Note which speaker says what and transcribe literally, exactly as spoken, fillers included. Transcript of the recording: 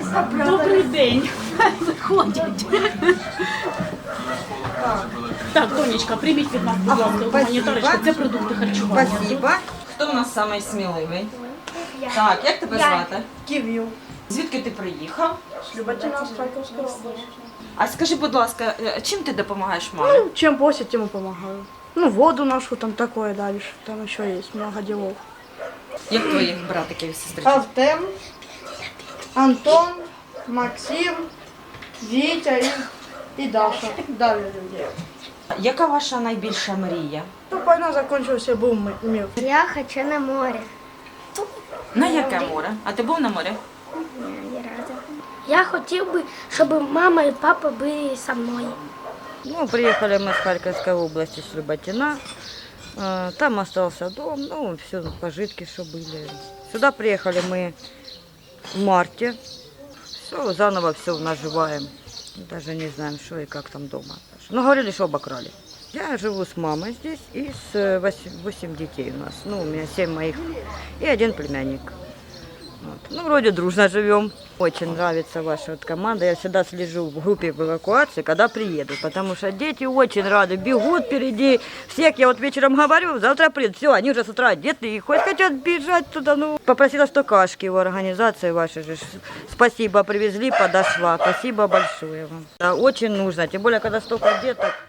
Speaker 1: Добрий день. Заходять. Так, Тонечка, прийміть від нас, будь ласка, гуманітарочку. Це продукти харчування.
Speaker 2: Спасибо. Хто у нас самий сміливий? Так, як тебе звати?
Speaker 3: Кив'ю.
Speaker 2: Звідки ти приїхав?
Speaker 3: Люботина з Харківської області.
Speaker 2: А скажи, будь ласка, чим ти допомагаєш мамі?
Speaker 3: Ну, чем просят, тем и помогаю. Ну, воду нашу, там такое дальше. Там еще есть много делов.
Speaker 2: Як твоїх братиків і сестричок?
Speaker 3: Артем, Антон, Максим, Витя и, и Даша. Дали людей.
Speaker 2: Яка ваша найбільша мрія?
Speaker 3: Ну, война закончилась, и был ми- мир.
Speaker 4: Я хочу на море.
Speaker 2: На яке море? А ти був на морі?
Speaker 4: Ні разу. Я хотів би, щоб мама і папа були зі мною.
Speaker 5: Ну, приехали мы с Харьковской области, с Люботина. Э, Там остался дом, ну, все, пожитки, что были. Сюда приехали мы в марте. Все, заново все наживаем. Даже не знаем, что и как там дома. Ну, говорили, что обокрали. Я живу с мамой здесь и с восемь детей у нас. Ну, у меня семь моих и один племянник. Вот. Ну, вроде дружно живем. Очень нравится ваша вот команда. Я всегда слежу в группе в эвакуации, когда приеду, потому что дети очень рады, бегут впереди всех. Я вот вечером говорю, завтра приедут. Все, они уже с утра одеты и хоть хотят бежать туда. Ну, попросила стокашки у организации вашей же. Спасибо, привезли, подошла. Спасибо большое вам. Да, очень нужно, тем более, когда столько деток.